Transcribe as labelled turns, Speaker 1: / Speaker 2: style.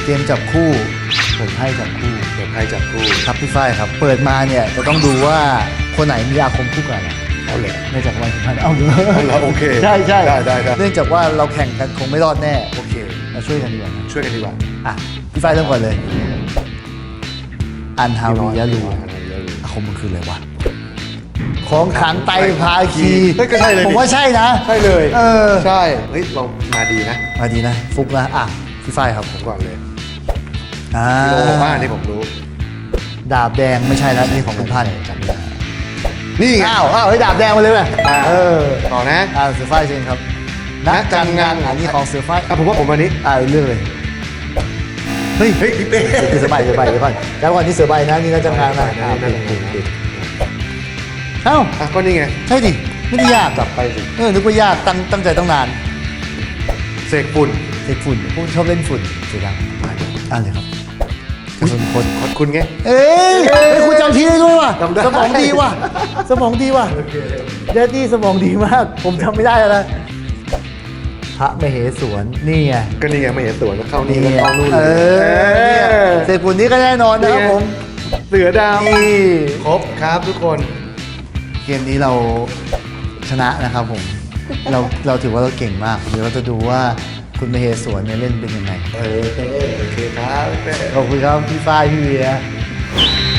Speaker 1: กมจับคู่ผมให้จับคู่
Speaker 2: เปิดไพ่จับคู่
Speaker 1: ครับพี่ฝ้ายครับเปิดมาเนี่ยจะต้องดูว่าคนไหนมีอาคมคู่กันอะ
Speaker 2: เอาเลย
Speaker 1: ในจักรวาลสุพรรณเอาเลย
Speaker 2: เราโอเค
Speaker 1: ใช่ใช่
Speaker 2: ได้
Speaker 1: เนื่องจากว่าเราแข่งกันคงไม่รอดแน่โอเคเราช่วยกันดีกว่านะ
Speaker 2: ช่วยกันดีกว่า
Speaker 1: อ่ะพี่ฝ้ายเริ่มก่อนเลยอันฮาวิยะลู
Speaker 2: อันฮาวิยะลู
Speaker 1: อาคมมันคืออะไรวะของขังไตรภาคี
Speaker 2: เฮ้ยก็ใช่เลย
Speaker 1: ผมว่าใช่นะ
Speaker 2: ใช่เลย
Speaker 1: เออ
Speaker 2: ใช่เฮ้ยเรามาดีนะ
Speaker 1: มาดีนะฟุกนะอ่ะพี่ฝ้ายครับ
Speaker 2: ผมก่อนเลย
Speaker 1: อ่า
Speaker 2: พี่โอบอกว่าอันนี้ผมรู้
Speaker 1: ดาบแดงไม่ใช่แล้วนี่ของคุณพันธุ์
Speaker 2: จำได้นี่ไง
Speaker 1: อ้าวเฮ้ยดาบแดงมาเลยไหม
Speaker 2: อ่า
Speaker 1: เออ
Speaker 2: ต่อนะ
Speaker 1: เสือฝ้ายเชิญครับนักการงานอันนี้ของเสือฝ้าย
Speaker 2: อ่ะผมว่าผมอันนี้
Speaker 1: เรื่องเลยเฮ้ย
Speaker 2: เฮ้ยพี่เป้
Speaker 1: เสือใบเดี๋ยวก่อนแล้วก่อนที่เสือใบนะนี่นักการงานนะเอ้า
Speaker 2: อ่ะก็นี่ไง
Speaker 1: ใช่ดิไม่ได้ยาก
Speaker 2: จับไปสิ
Speaker 1: นึกว่ายากตั้งใจตั้งนาน
Speaker 2: เสกฝุ่น
Speaker 1: เด็กฝุ่นพวกชอบเล่นฝุ่นเสียดังอ่านเลยครับกระสุนคน
Speaker 2: ขอบคุณไง
Speaker 1: เอ้ยคุณจำทีได้ด้วยว่ะ
Speaker 2: จำได้
Speaker 1: สมองดีว่ะสมองดีว่ะเดดดี้สมองดีมาก ผมจำไม่ได้แล้วนะพระมเหสวนนี่ไง
Speaker 2: ก็นี่ไงไม่เห็นตัวแล้วเข้านี่แล้วเข้านู่น
Speaker 1: เออเศษฝุ่นนี้ก็แน่นอนนะครับผม
Speaker 2: เสือดาว
Speaker 1: นี่
Speaker 2: ครบครับทุกคน
Speaker 1: เกมนี้เราชนะนะครับผม เราถือว่าเราเก่งมากเดี๋ยวเราจะดูว่าคุณมเหสวนเนี่ยเล่นเป็นยังไง
Speaker 2: โอเคครับ
Speaker 1: ขอบคุณครับพี่ฝ้ายพี่เวีย